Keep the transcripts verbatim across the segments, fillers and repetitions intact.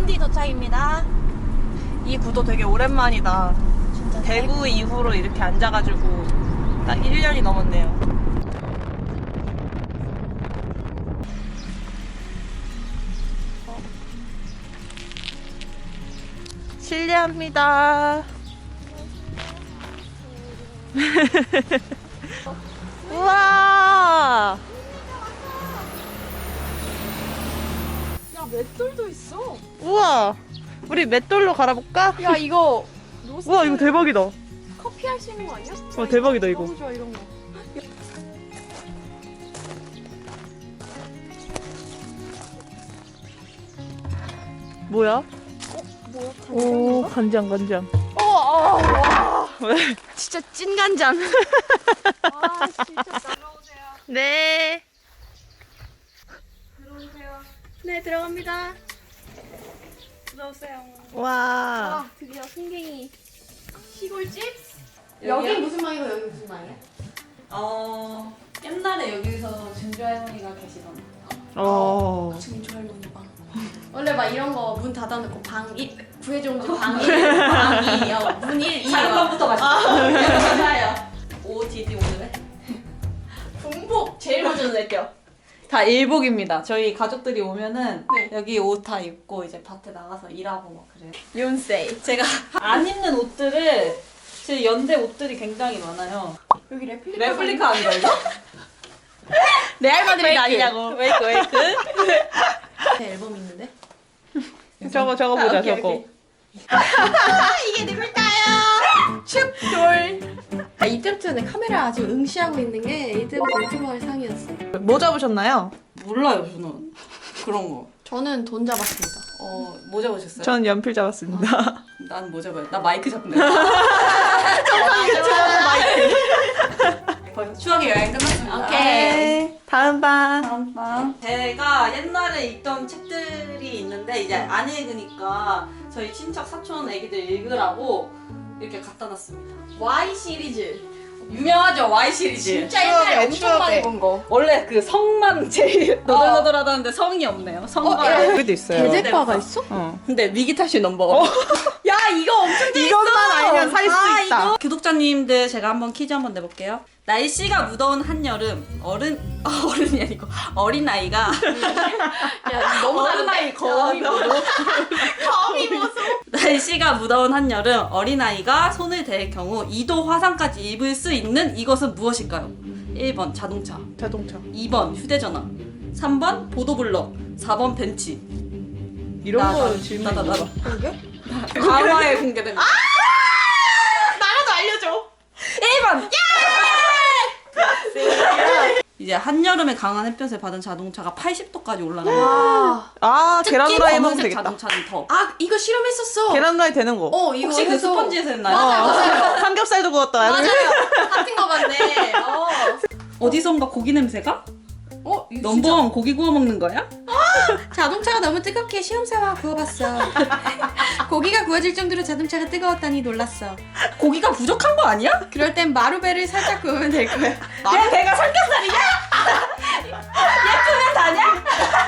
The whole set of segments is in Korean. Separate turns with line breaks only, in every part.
푸디 도착입니다. 이 구도 되게 오랜만이다.
진짜
대구 이후로 이렇게 앉아가지고 딱 일 년이 넘었네요. 실례합니다. 우와!
야, 맷돌도 있어.
우와! 우리 맷돌로 갈아볼까?
야, 이거 로스
우와, 이거 대박이다.
커피 할 수 있는 거 아니야?
와, 대박이다, 이거.
너무 좋아, 이런 거.
뭐야?
어, 뭐야?
오, 간장, 간장.
어, 어, 와.
왜?
진짜 찐 간장. 아, 진짜 들어오세요.
네.
들어오세요. 네, 들어갑니다. 들어오세요.
와.
아, 드디어 승갱이 시골집? 여기 무슨 방이고 여기 무슨 방이야?
어 옛날에 여기서 증조 할머니가 계시던
어.
증조 할머니 방. 원래 막 이런 거 문 닫아놓고 방 일, 구해종지 방 일, 방 이, 어, 문 일, 이.
작은 방부터 가시죠. 감사해요. 오디디 오늘의
군복
제일 먼저 낼게요. 다 일복입니다. 저희 가족들이 오면은
네.
여기 옷 다 입고 이제 밭에 나가서 일하고 막 그래요.
윤세이.
제가 안 입는 옷들을 제 연대 옷들이 굉장히 많아요.
여기 레플리카.
레플리카 아닌가 이거?
레알 마드리드 아니냐고.
웨이크 웨이크.
제 앨범 있는데?
저거, 저거 보자,
아, 오케이,
저거.
오케이.
이게 누굴까요? 축돌. 아, 이때부터는 카메라 아주 응시하고 있는 게 이때부터 유튜버 할 상이었어.
뭐 잡으셨나요?
몰라요 저는 그런 거.
저는 돈 잡았습니다.
어, 뭐 잡으셨어요?
전 연필 잡았습니다.
난 뭐 잡아요? 나 마이크 잡네. 벌써 추억의 여행 끝났습니다.
오케이.
다음 방.
다음 방. 제가 옛날에 읽던 책들이 있는데 이제 안 읽으니까 저희 친척 사촌 애기들 읽으라고 이렇게 갖다 놨습니다.
Y 시리즈.
유명하죠 Y 시리즈.
진짜 옛날에
추억의,
엄청
추억의.
많이 본 거.
원래 그 성만 제일 너덜너덜하다는데 성이 없네요. 성과.
어, 야.
여기도 있어요.
대대과가 있어?
어.
근데 위기탈출 넘버원. 야 이거 엄청 재밌어.
이것만 알면 살 수
아,
있다.
이거. 구독자님들 제가 한번 퀴즈 한번 내볼게요. 날씨가 무더운 한여름 어른 어, 어른이 아니고 어린 아이가
야, 너무
어른 아이 거미 보소.
거미 보소.
날씨가 무더운 한여름 어린 아이가 손을 댈 경우 이 도 화상까지 입을 수 있는 이것은 무엇일까요? 일 번 자동차,
자동차.
이 번 휴대전화, 삼 번 보도블럭, 사 번 벤치.
이런
나,
거
나,
질문
나, 나,
있나
나.
봐.
그게?
과거에 공개됩니다.
나라도 알려줘.
일 번! 이제 한여름에 강한 햇볕을 받은 자동차가 팔십 도까지 올라가요.
와.
아, 계란
특히
후라이 하면
검은색
되겠다.
자동차는 더.
아, 이거 실험했었어.
계란 후라이 되는 거.
어, 이거
혹시 그
해서-
스펀지에서 했나요?
맞아요, 맞아요.
삼겹살도 구웠다.
맞아요. 같은 거 같네. 어.
어디선가 고기 냄새가?
어, 이거
넘버원 고기 구워 먹는 거야?
진짜 자동차가 너무 뜨겁게 시험삼아 구워봤어. 고기가 구워질 정도로 자동차가 뜨거웠다니 놀랐어.
고기가 부족한 거 아니야?
그럴 땐 마루베를 살짝 구우면 될 거야.
내 배가 삼겹살이냐? 예쁘면 다냐?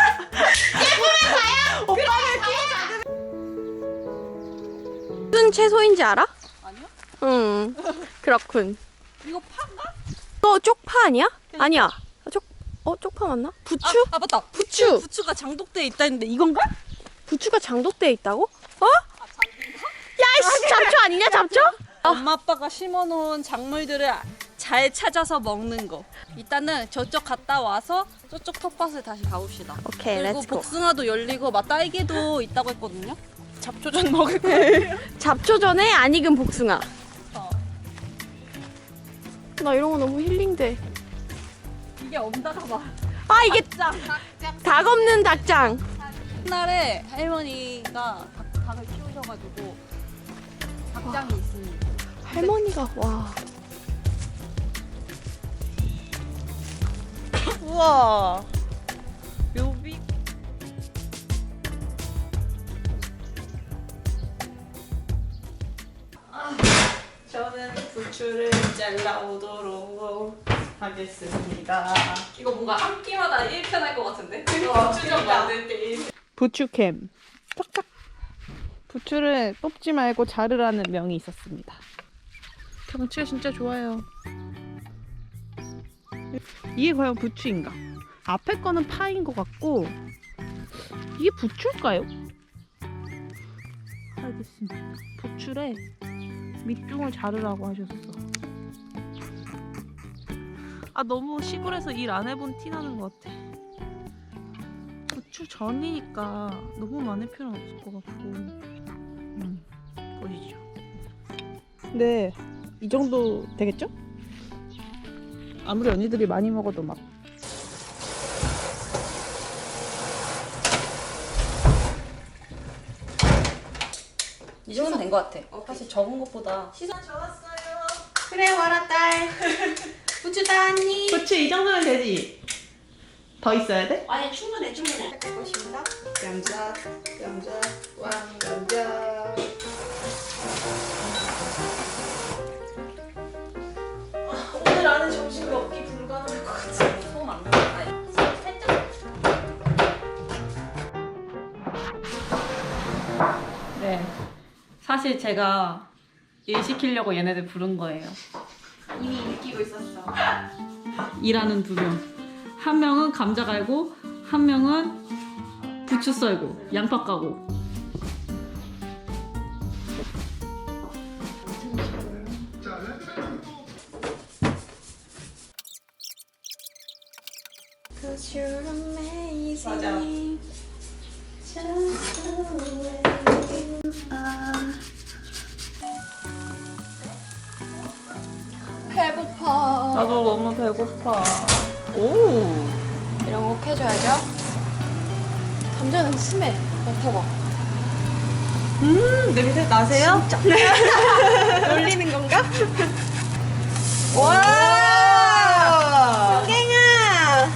무슨 채소인지 알아?
아니요.
응. 그렇군.
이거 파인가?
너 쪽파 아니야? 아니야. 쪽, 어, 쪽파 맞나? 부추?
아, 아 맞다.
부추.
부추가 장독대에 있다 했는데 이건가?
부추가 장독대에 있다고? 어? 야이씨, 잡초 아니냐, 잡초?
엄마 아빠가 심어놓은 작물들을 잘 찾아서 먹는 거. 일단은 저쪽 갔다 와서 저쪽 텃밭을 다시 가봅시다.
오케이,
그리고
렛츠고.
복숭아도 열리고 막 딸기도 있다고 했거든요. 잡초전 먹을 거예요.
잡초 전에 안 익은 복숭아.
어.
나 이런 거 너무 힐링돼.
이게 엄다가 봐.
아, 이게 닭 없는 닭장.
옛날에 할머니가 닭, 닭을 키우셔가지고 닭장이 있습니다.
할머니가, 와.
우와. 묘비. 저는 부추를 잘라오도록 하겠습니다.
이거 뭔가 한 끼마다 일 편 할 것 같은데?
어,
부추전 만들 때 일 편.
부추캠. 짝짝. 부추를 뽑지 말고 자르라는 명이 있었습니다. 경치가 진짜 좋아요. 이게 과연 부추인가? 앞에 거는 파인 것 같고 이게 부추일까요? 알겠습니다. 부추래 밑둥을 자르라고 하셨어. 아 너무 시골에서 일 안 해본 티 나는 것 같아. 부추 전이니까 너무 많을 필요는 없을 것 같고. 음, 보시죠. 네, 이 정도 되겠죠? 아무리 언니들이 많이 먹어도 막.
이 정도면 된 것 같아. 사실 적은 것보다
시선 좋았어요. 그래 와라 딸. 부추 따니?
부추 이 정도면 되지? 더 있어야 돼?
아니 충분해 충분해. 할 것입니다. 감자 감자 왕 감자. 오늘 안에 점심 먹기 불가능할 것 같아.
소금 안 넣을까요?
살짝.
네. 사실 제가 일 시키려고 얘네들 부른 거예요.
이미 느끼고 있었어.
일하는 두 명. 한 명은 감자 갈고, 한 명은 부추 썰고, 양파 까고.
맞아. 배고파.
나도 너무 배고파. 오.
이런 거 꼭 해줘야죠. 감자는 심해. 맡아봐.
음 냄새 나세요?
놀리는 건가?
와.
땡아.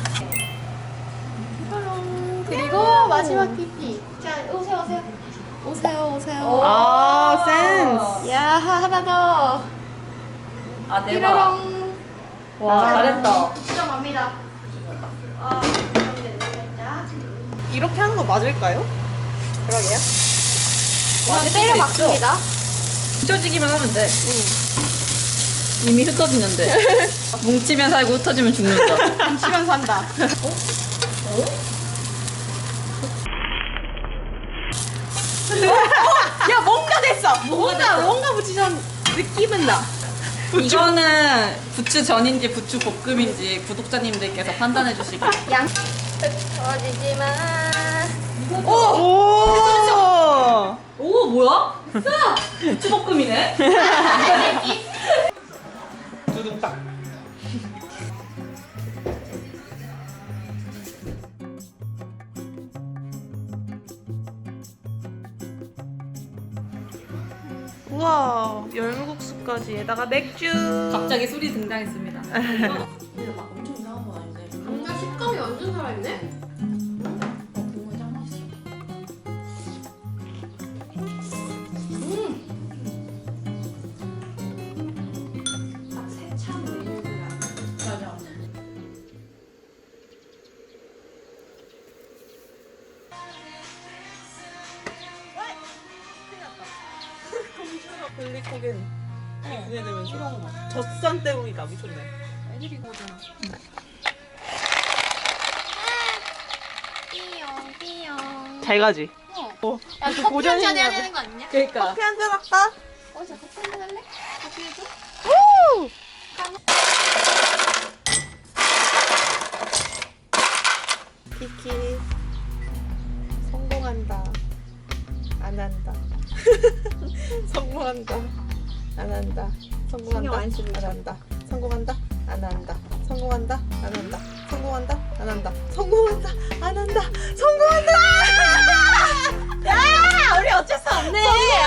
그리고 마지막 피피. 자 오세요 오세요. 오세요 오세요.
아 센스.
야 하나 더.
아, 대박.
삐로롱.
와, 잘했다.
들어갑니다. 아, 그럼 된다, 살짝.
이렇게 하는 거 맞을까요?
그러게요. 이렇게 때려 박습니다.
흩어지기만 하면 돼. 이미 흩어지는데. 뭉치면 살고 흩어지면 죽는다.
뭉치면 산다. 야 뭔가 됐어. 뭔가 뭔가 붙이전 느낌은 나.
이거는 부추 전인지 부추 볶음인지 구독자님들께서 판단해 주시기.
양. 터지지 마.
오. 오.
오, 뭐야? 부추 볶음이네.
두둥딱. 우와 열무국수까지 에다가 맥주.
갑자기 술이 등장했습니다. 근데 막 엄청 이상한 건 아닌데.
감자 식감이 완전 살아있네.
국물 짱 맛있어.
딱 세찬 메뉴가.
맞아.
글리코겐 분해되면서 젖산 때문이다 미쳤네.
애들이 그거잖아. 삐용 삐용.
잘 가지.
어.
어.
야
그
커피
고전이
한잔 해야
있냐?
되는 거 아니냐?
그러니까.
커피 한잔 할까?
어, 저 커피 한잔 할래? 커피 해줘?
우! 키키 성공한다. 안 한다. 성공한다. 안 한다. 성공한다. 안 한다. 성공한다. 안 한다. 성공한다. 안 한다. 성공한다. 안 한다. 성공한다. 안 한다. 성공한다.
야, 우리 어쩔 수 없네.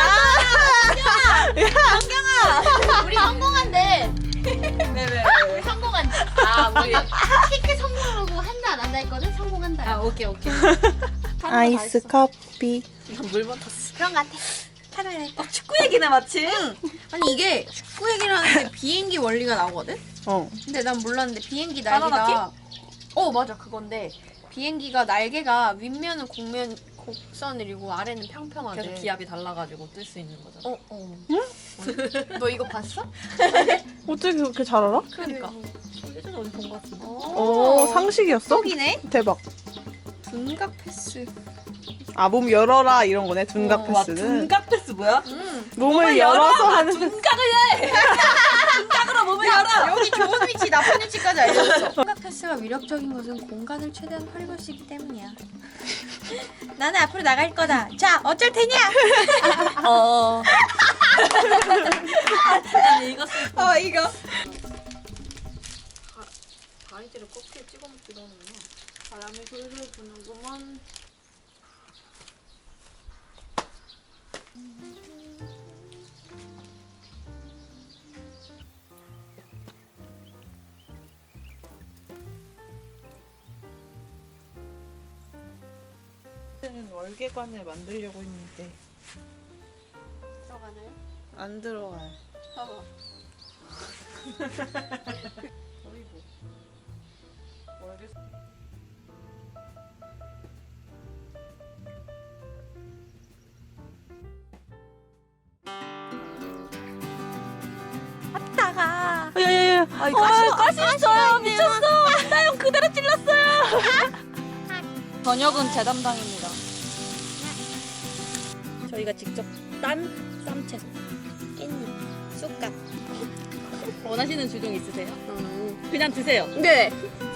우리 성공한대.
네네.
우리 성공한대. 아, 우리 키크 성공하고 한다 안 한다 했거든. 성공한다.
아, 오케이, 오케이.
아이스 커피.
물만 탔어.
그런 거 같아. 하루에
어, 축구 얘기네, 마침.
아니 이게 축구 얘기를 하는데 비행기 원리가 나오거든?
어.
근데 난 몰랐는데 비행기
바나나
날개가 어 맞아 그건데 비행기가 날개가 윗면은 공면 곡선이고 아래는 평평하대.
계속 기압이 달라가지고 뜰 수 있는 거죠.
어, 어. 너 이거 봤어?
어떻게 그렇게 잘 알아?
그러니까.
예전에 어디 본 것 같은데.
오, 상식이었어?
속이네?
대박.
둔각 패스.
아, 몸 열어라 이런 거네. 둔각
어, 와,
패스는.
둔각 패스 뭐야?
음.
몸을 열어서 하는.
둔각을 해! 둔각으로 몸을 열어!
여기 좋은 위치, 나쁜 위치까지 알려줬어. 둔각 패스가 위력적인 것은 공간을 최대한 활용할 수 있기 때문이야. 나는 앞으로 나갈 거다. 자, 어쩔 테냐?
어. 난 읽었을 때.
어, 이거.
가위질을 껍질 찍어 먹기도 하는구나. 바람이 솔솔 부는구먼.
는 월계관을 만들려고 했는데
들어가나요?
안 들어가요.
봐봐.
어이구. 월계.
따가.
야야야.
아, 이거 가시,
가시 있어요! 미쳤어! 나 형 그대로 찔렀어요! 저녁은 제 담당입니다. 저희가 직접 딴 쌈채소, 깻잎, 쑥갓 원하시는 주종 있으세요?
음.
그냥 드세요.
네.